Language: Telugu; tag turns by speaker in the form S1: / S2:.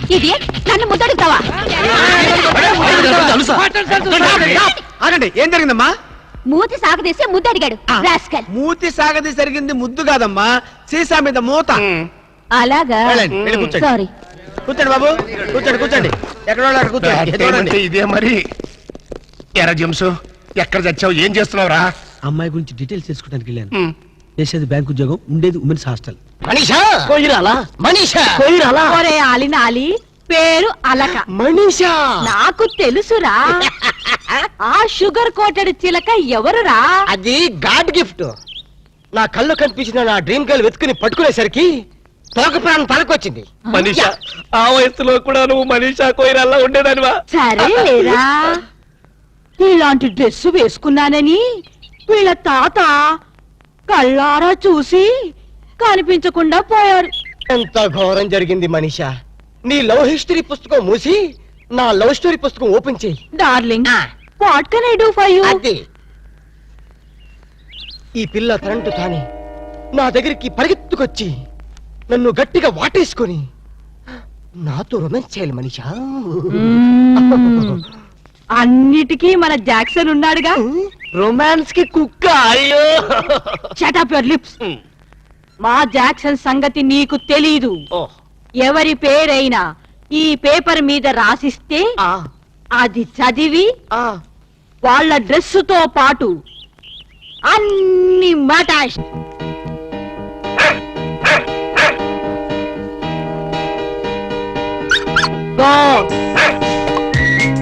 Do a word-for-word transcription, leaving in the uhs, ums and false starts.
S1: ఇది నన్ను ముద్దడుగుతావా?
S2: ఆగండి, ఏం జరిగిందమ్మా?
S1: మూతి సాగదీసి ముద్దడిగాడు రాస్కల్.
S2: మూతి సాగది జరిగింది ముద్దు కాదమ్మా, సీసా మీద మూత.
S1: అలాగా? సారీ.
S2: కూర్చోండి బాబు, కూర్చోండి కూర్చోండి. ఎక్కడ కూర్చోండి.
S3: ఇదే మరి ఎరా జంసు, ఎక్కడ చచ్చావు, ఏం చేస్తున్నావురా?
S2: అమ్మాయి గురించి డీటెయిల్స్ తెలుసుకోవడానికి వెళ్ళాను. చేసేది బ్యాంక్ ఉద్యోగం, ఉండేది ఉమెన్స్ హాస్టల్.
S3: మనీషా మనీషా
S1: ఒరే ఆలినాలి, పేరు అలక.
S3: మనీషా
S1: నాకు తెలుసురా. ఆ షుగర్ కోటెడ్ చిలక ఎవరురా?
S3: అది గాడ్ గిఫ్ట్. నా కళ్ళు కనిపించిన నా డ్రీమ్ గర్ల్ వెతుకుని పట్టుకునేసరికి తోక ప్రాణం తలకొచ్చింది. మనీషా, ఆ వయసులో కూడా నువ్వు మనీషా కోయిరల్లా ఉండేదానివా?
S1: సరే లేరా, ఇలాంటి డ్రెస్ వేసుకున్నానని వీళ్ళ తాత కళ్ళారా చూసి కనిపించకుండా పోయారు.
S3: ఎంత ఘోరం జరిగింది మనీషా. నీ లవ్ హిస్టరీ పుస్తకం మూసి నా లవ్ స్టోరీ పుస్తకం ఓపెన్ చేయి.
S1: Darling, what can I do for you?
S3: అది ఈ పిల్ల కరెంటు తాని నా దగ్గరికి పరిగెత్తుకొచ్చి నన్ను గట్టిగా వాటేసుకొని నాతో రొమాన్స్ చేయాలి మనీషా.
S1: అన్నిటికీ మన జాక్సన్ ఉన్నాడుగా.
S3: రొమాన్స్ కి కుక్క. అయ్యో,
S1: షట్ అప్ యువర్ లిప్స్. మా జాక్సన్ సంగతి నీకు తెలీదు. ఎవరి పేరైనా ఈ పేపర్ మీద రాసిస్తే అది చదివి వాళ్ళ డ్రెస్సుతో పాటు అన్ని మటాష్. గో